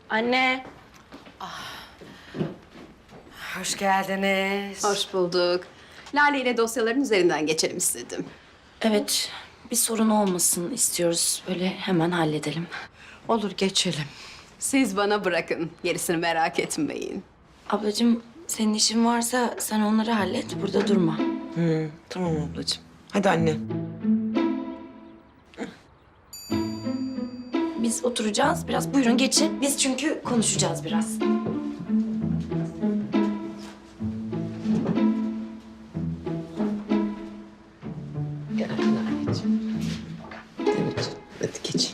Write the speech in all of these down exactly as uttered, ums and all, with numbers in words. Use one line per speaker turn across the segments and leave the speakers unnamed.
Anne.
Hoş geldiniz.
Hoş bulduk. Lale ile dosyaların üzerinden geçelim istedim.
Evet, bir sorun olmasın istiyoruz. Böyle hemen halledelim.
Olur, geçelim.
Siz bana bırakın. Gerisini merak etmeyin.
Ablacığım, senin işin varsa sen onları hallet. Burada durma.
Hı, tamam ablacığım. Hadi anne.
Biz oturacağız biraz. Buyurun geçin. Biz çünkü konuşacağız biraz.
Gel anneciğim. Evet, hadi geç.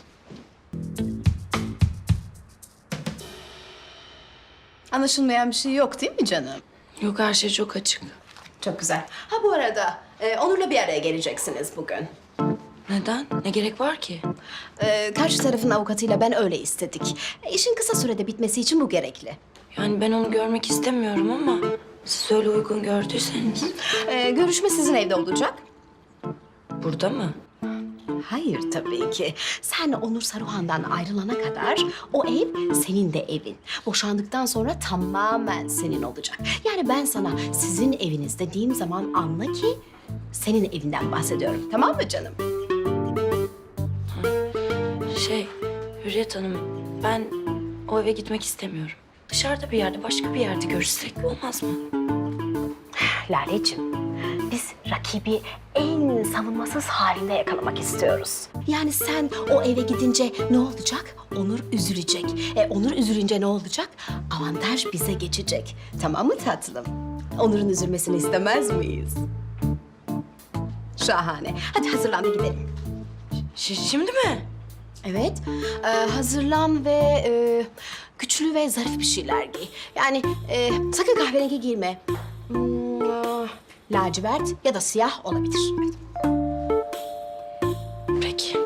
Anlaşılmayan bir şey yok değil mi canım?
Yok, her şey çok açık.
Çok güzel. Ha bu arada e, Onur'la bir araya geleceksiniz bugün.
Neden? Ne gerek var ki?
E, karşı tarafın avukatıyla ben öyle istedik. E, işin kısa sürede bitmesi için bu gerekli.
Yani ben onu görmek istemiyorum ama siz öyle uygun gördüyseniz.
E, görüşme sizin evde olacak.
Burada mı?
Hayır tabii ki. Sen Onur Saruhan'dan ayrılana kadar o ev senin de evin. Boşandıktan sonra tamamen senin olacak. Yani ben sana sizin eviniz dediğim zaman anla ki senin evinden bahsediyorum. Tamam mı canım?
Şey, Hürriyet Hanım, ben o eve gitmek istemiyorum. Dışarıda bir yerde, başka bir yerde görüşsek olmaz mı?
Laleciğim, biz rakibi en savunmasız halinde yakalamak istiyoruz. Yani sen o eve gidince ne olacak? Onur üzülecek. E, Onur üzülünce ne olacak? Avantaj bize geçecek. Tamam mı tatlım? Onur'un üzülmesini istemez miyiz? Şahane. Hadi hazırlan da gidelim.
Ş- şimdi mi?
Evet, e, hazırlan ve e, güçlü ve zarif bir şeyler giy. Yani e, sakın kahverengi giyme. Hmm, e, lacivert ya da siyah olabilir.
Peki.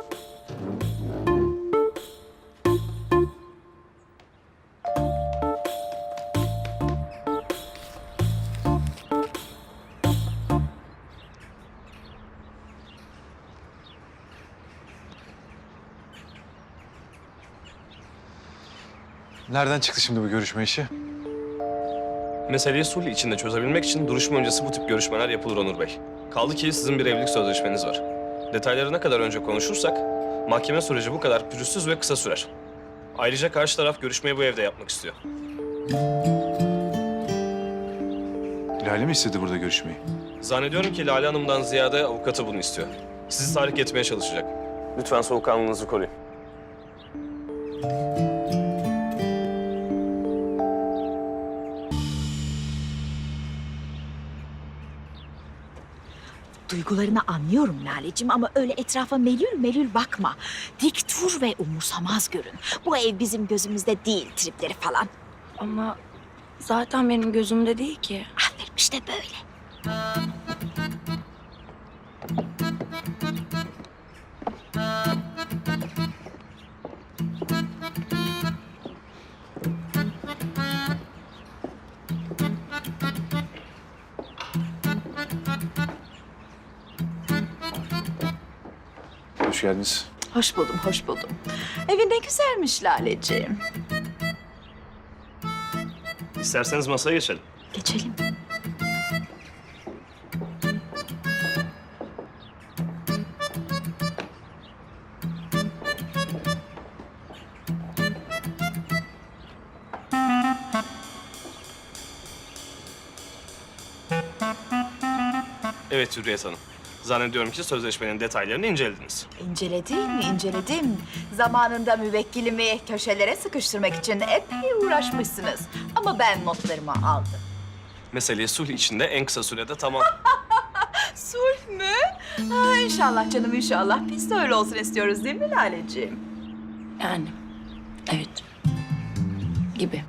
Nereden çıktı şimdi bu görüşme işi?
Meseleyi sulh içinde çözebilmek için duruşma öncesi bu tip görüşmeler yapılır Onur Bey. Kaldı ki sizin bir evlilik sözleşmeniz var. Detayları ne kadar önce konuşursak mahkeme süreci bu kadar pürüzsüz ve kısa sürer. Ayrıca karşı taraf görüşmeyi bu evde yapmak istiyor.
Lale mi istedi burada görüşmeyi?
Zannediyorum ki Lale Hanım'dan ziyade avukatı bunu istiyor. Sizi tahrik etmeye çalışacak. Lütfen soğukkanlılığınızı koruyun.
Duygularını anlıyorum Laleciğim ama öyle etrafa melül melül bakma. Dik dur ve umursamaz görün. Bu ev bizim gözümüzde değil tripleri falan.
Ama zaten benim gözümde değil ki.
Aferin işte böyle.
Hoş geldiniz.
Hoş buldum, hoş buldum. Evin ne güzelmiş Laleciğim.
İsterseniz masaya geçelim.
Geçelim.
Evet Hürriyet Hanım. Zannediyorum ki sözleşmenin detaylarını incelediniz.
İnceledim, inceledim. Zamanında müvekkilimi köşelere sıkıştırmak için epey uğraşmışsınız. Ama ben notlarımı aldım.
Meseleyi sulh içinde en kısa sürede tamam...
Sulh mü? Ha, inşallah canım inşallah. Biz de öyle olsun istiyoruz değil mi Laleciğim?
Yani, evet. Gibi.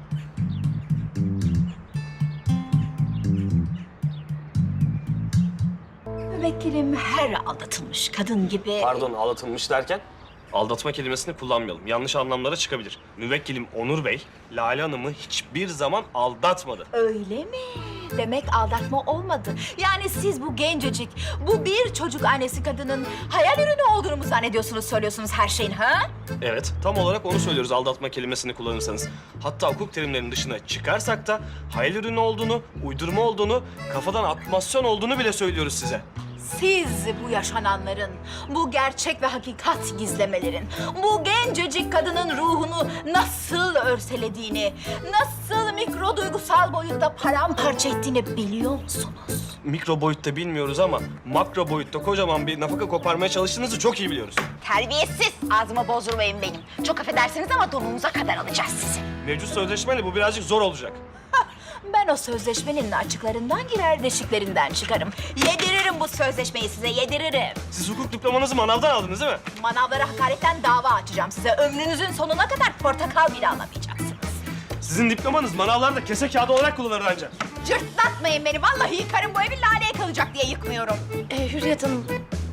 Müvekkilim her aldatılmış kadın gibi...
Pardon, aldatılmış derken? Aldatma kelimesini kullanmayalım. Yanlış anlamlara çıkabilir. Müvekkilim Onur Bey, Lale Hanım'ı hiçbir zaman aldatmadı.
Öyle mi? Demek aldatma olmadı. Yani siz bu gencecik, bu bir çocuk annesi kadının hayal ürünü olduğunu mu zannediyorsunuz, söylüyorsunuz her şeyin ha?
Evet, tam olarak onu söylüyoruz aldatma kelimesini kullanırsanız. Hatta hukuk terimlerinin dışına çıkarsak da hayal ürünü olduğunu, uydurma olduğunu, kafadan atmasyon olduğunu bile söylüyoruz size.
Siz bu yaşananların, bu gerçek ve hakikat gizlemelerin, bu gencecik kadının ruhunu nasıl örselediğini, nasıl mikro duygusal boyutta paramparça ettiğini biliyor musunuz?
Mikro boyutta bilmiyoruz ama makro boyutta kocaman bir nafaka koparmaya çalıştığınızı çok iyi biliyoruz.
Terbiyesiz. Ağzımı bozdurmayın benim. Çok affedersiniz ama donunuza kadar alacağız sizi.
Mevcut sözleşmeyle bu birazcık zor olacak.
Ben o sözleşmenin açıklarından girer, deşiklerinden çıkarım. Yediririm bu sözleşmeyi size, yediririm.
Siz hukuk diplomanızı manavdan aldınız değil mi?
Manavlara hakaretten dava açacağım size. Ömrünüzün sonuna kadar portakal bile alamayacaksınız.
Sizin diplomanız manavlarda kese kağıdı olarak kullanılır ancak.
Cırtlatmayın beni. Vallahi yıkarım, bu evi laleye kalacak diye yıkmıyorum.
Ee, Hürriyet Hanım,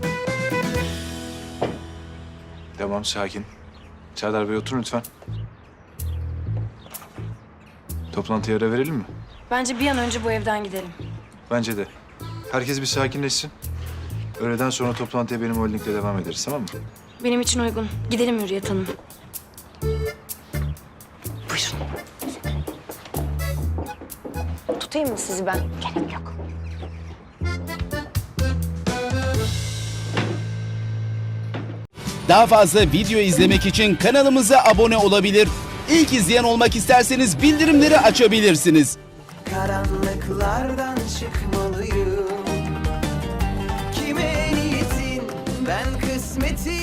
Tamam, sakin. Serdar Bey oturun lütfen. Toplantıya ara verelim mi?
bence bir an önce bu evden gidelim.
Bence de. Herkes bir sakinleşsin. Öğleden sonra toplantıya benim holdingle devam ederiz, tamam mı?
Benim için uygun. Gidelim Hürriyet Hanım.
Tutayım mı sizi ben? Gerek yok.
Daha fazla video izlemek için kanalımıza abone olabilir. İlk izleyen olmak isterseniz bildirimleri açabilirsiniz.
Karanlıklardan çıkmalıyım. Kime niyetin ben kısmetin